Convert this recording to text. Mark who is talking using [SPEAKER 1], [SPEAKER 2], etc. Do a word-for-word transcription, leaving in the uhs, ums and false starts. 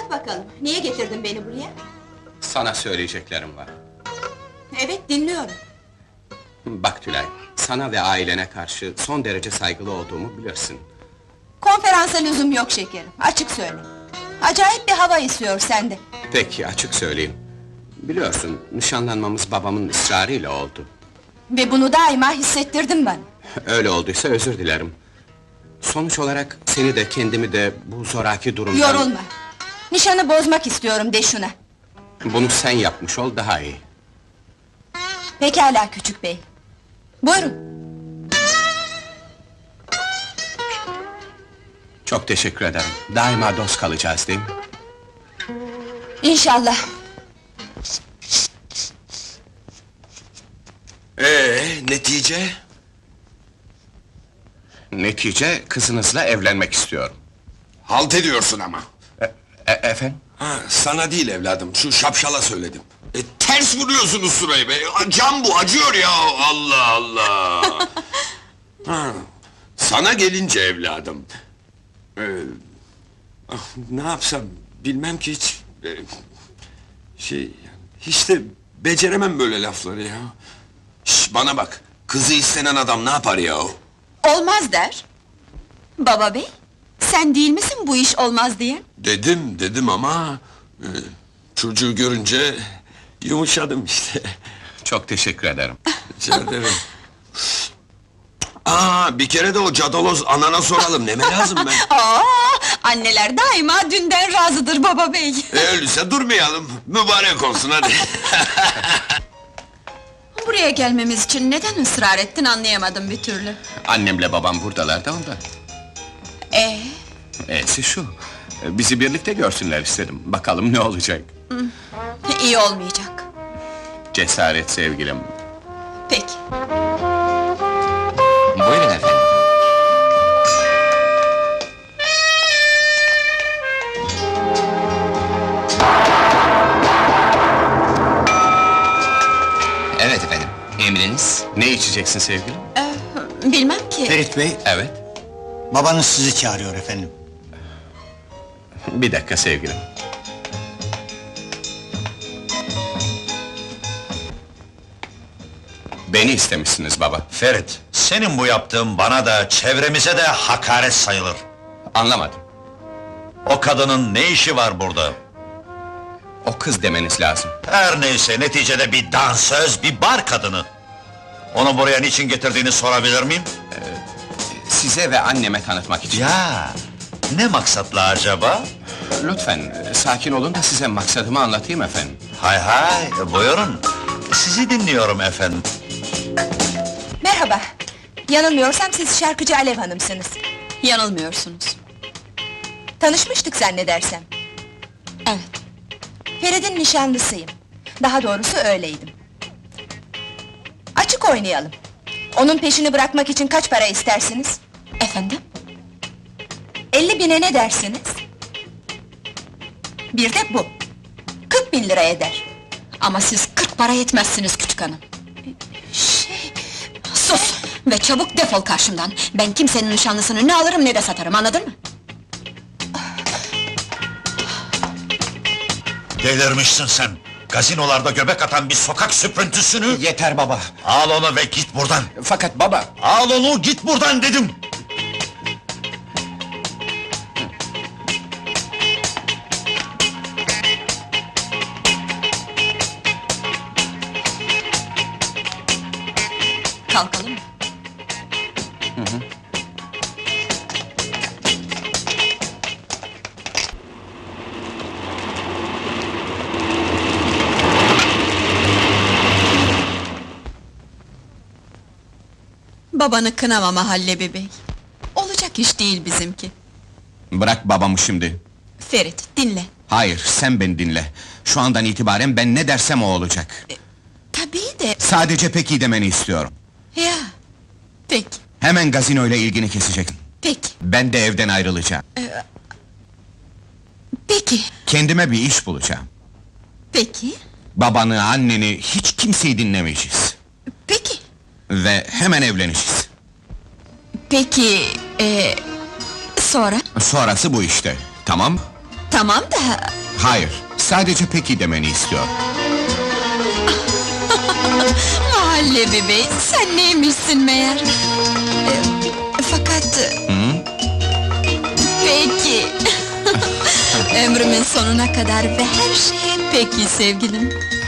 [SPEAKER 1] Anlat bakalım, niye getirdin beni buraya?
[SPEAKER 2] Sana söyleyeceklerim var.
[SPEAKER 1] Evet, dinliyorum.
[SPEAKER 2] Bak Tülay, sana ve ailene karşı son derece saygılı olduğumu bilirsin.
[SPEAKER 1] Konferansa lüzum yok şekerim, açık söyle. Acayip bir hava esiyor sende.
[SPEAKER 2] Peki, açık söyleyeyim. Biliyorsun, nişanlanmamız babamın ısrarıyla oldu.
[SPEAKER 1] Ve bunu daima hissettirdin bana.
[SPEAKER 2] Öyle olduysa özür dilerim. Sonuç olarak seni de kendimi de bu zoraki durumdan...
[SPEAKER 1] Yorulma! Nişanı bozmak istiyorum de şuna.
[SPEAKER 2] Bunu sen yapmış ol, daha iyi.
[SPEAKER 1] Pekala küçük bey. Buyurun.
[SPEAKER 2] Çok teşekkür ederim. Daima dost kalacağız değil mi?
[SPEAKER 1] İnşallah.
[SPEAKER 3] Ee, netice?
[SPEAKER 2] Netice, kızınızla evlenmek istiyorum.
[SPEAKER 3] Halt ediyorsun ama.
[SPEAKER 2] E, e- efendim?
[SPEAKER 3] Ha, sana değil evladım, şu şapşala söyledim. E, ters vuruyorsunuz surayı be! Cam bu, acıyor ya! Allah Allah! Ha, sana gelince evladım... Ee, ah, ne yapsam, bilmem ki hiç... e, şey, hiç de beceremem böyle lafları ya. Şş, bana bak, kızı istenen adam ne yapar ya?
[SPEAKER 1] Olmaz der. Baba bey, sen değil misin bu iş olmaz diye?
[SPEAKER 3] Dedim, dedim ama... e, çocuğu görünce... yumuşadım işte.
[SPEAKER 2] Çok teşekkür ederim.
[SPEAKER 3] Rica ederim. Aa, bir kere de o cadaloz anana soralım, neme lazım ben?
[SPEAKER 1] Aa, anneler daima dünden razıdır baba bey.
[SPEAKER 3] E, öyleyse durmayalım, mübarek olsun hadi.
[SPEAKER 1] Buraya gelmemiz için neden ısrar ettin anlayamadım bir türlü.
[SPEAKER 2] Annemle babam buradalar da ondan.
[SPEAKER 1] Ee,
[SPEAKER 2] E'si şu, bizi birlikte görsünler istedim. Bakalım ne olacak?
[SPEAKER 1] iyi olmayacak.
[SPEAKER 2] Cesaret sevgilim.
[SPEAKER 1] Peki.
[SPEAKER 2] Buyurun efendim.
[SPEAKER 4] Evet efendim, emriniz?
[SPEAKER 2] Ne içeceksin sevgilim?
[SPEAKER 1] Ee, bilmem ki.
[SPEAKER 5] Ferit Bey,
[SPEAKER 2] Evet.
[SPEAKER 5] babanız sizi çağırıyor efendim.
[SPEAKER 2] Bir dakika sevgilim. Beni istemişsiniz baba.
[SPEAKER 6] Ferit, senin bu yaptığın bana da, çevremize de hakaret sayılır.
[SPEAKER 2] Anlamadım.
[SPEAKER 6] O kadının ne işi var burada?
[SPEAKER 2] O kız demeniz lazım.
[SPEAKER 6] Her neyse, neticede bir dansöz, bir bar kadını. Onu buraya niçin getirdiğini sorabilir miyim?
[SPEAKER 2] Size ve anneme tanıtmak için.
[SPEAKER 6] Ya, ne maksatla acaba?
[SPEAKER 2] Lütfen, e, sakin olun da size maksadımı anlatayım efendim.
[SPEAKER 6] Hay hay, buyurun. Sizi dinliyorum efendim.
[SPEAKER 1] Merhaba. Yanılmıyorsam siz şarkıcı Alev Hanım'sınız. Yanılmıyorsunuz. Tanışmıştık zannedersem. Evet. Ferit'in nişanlısıyım. Daha doğrusu öyleydim. Açık oynayalım. Onun peşini bırakmak için kaç para istersiniz? Efendim? Elli bine ne dersiniz? Bir de bu. Kırk bin lira eder.
[SPEAKER 7] Ama siz kırk para yetmezsiniz küçük hanım.
[SPEAKER 1] Şey...
[SPEAKER 7] Sus! Ve çabuk defol karşımdan! Ben kimsenin nişanlısını ne alırım ne de satarım, anladın mı?
[SPEAKER 6] Delirmişsin sen! Gazinolarda göbek atan bir sokak süprüntüsünü...
[SPEAKER 5] Yeter baba!
[SPEAKER 6] Al onu ve git buradan!
[SPEAKER 2] Fakat baba...
[SPEAKER 6] Al onu, git buradan dedim!
[SPEAKER 7] Kalkalım mı?
[SPEAKER 1] Babanı kınama Mahallebi bey. Olacak iş değil bizimki.
[SPEAKER 2] Bırak babamı şimdi.
[SPEAKER 1] Ferit, dinle.
[SPEAKER 2] Hayır, sen beni dinle. Şu andan itibaren ben ne dersem o olacak.
[SPEAKER 1] Tabii de...
[SPEAKER 2] Sadece peki demeni istiyorum.
[SPEAKER 1] Ya, peki,
[SPEAKER 2] Hemen gazinoyla ilgini keseceksin.
[SPEAKER 1] peki,
[SPEAKER 2] Ben de evden ayrılacağım.
[SPEAKER 1] peki,
[SPEAKER 2] Kendime bir iş bulacağım.
[SPEAKER 1] peki,
[SPEAKER 2] Babanı, anneni, hiç kimseyi dinlemeyeceğiz.
[SPEAKER 1] peki.
[SPEAKER 2] Ve hemen evleneceğiz.
[SPEAKER 1] Peki, ee, sonra?
[SPEAKER 2] Sonrası bu işte, tamam mı?
[SPEAKER 7] Tamam da...
[SPEAKER 2] Hayır, sadece peki demeni istiyor.
[SPEAKER 7] Mahalle bebeği, sen neymişsin meğer? Ee, fakat... Peki! Ömrümün sonuna kadar ve her şeye peki sevgilim.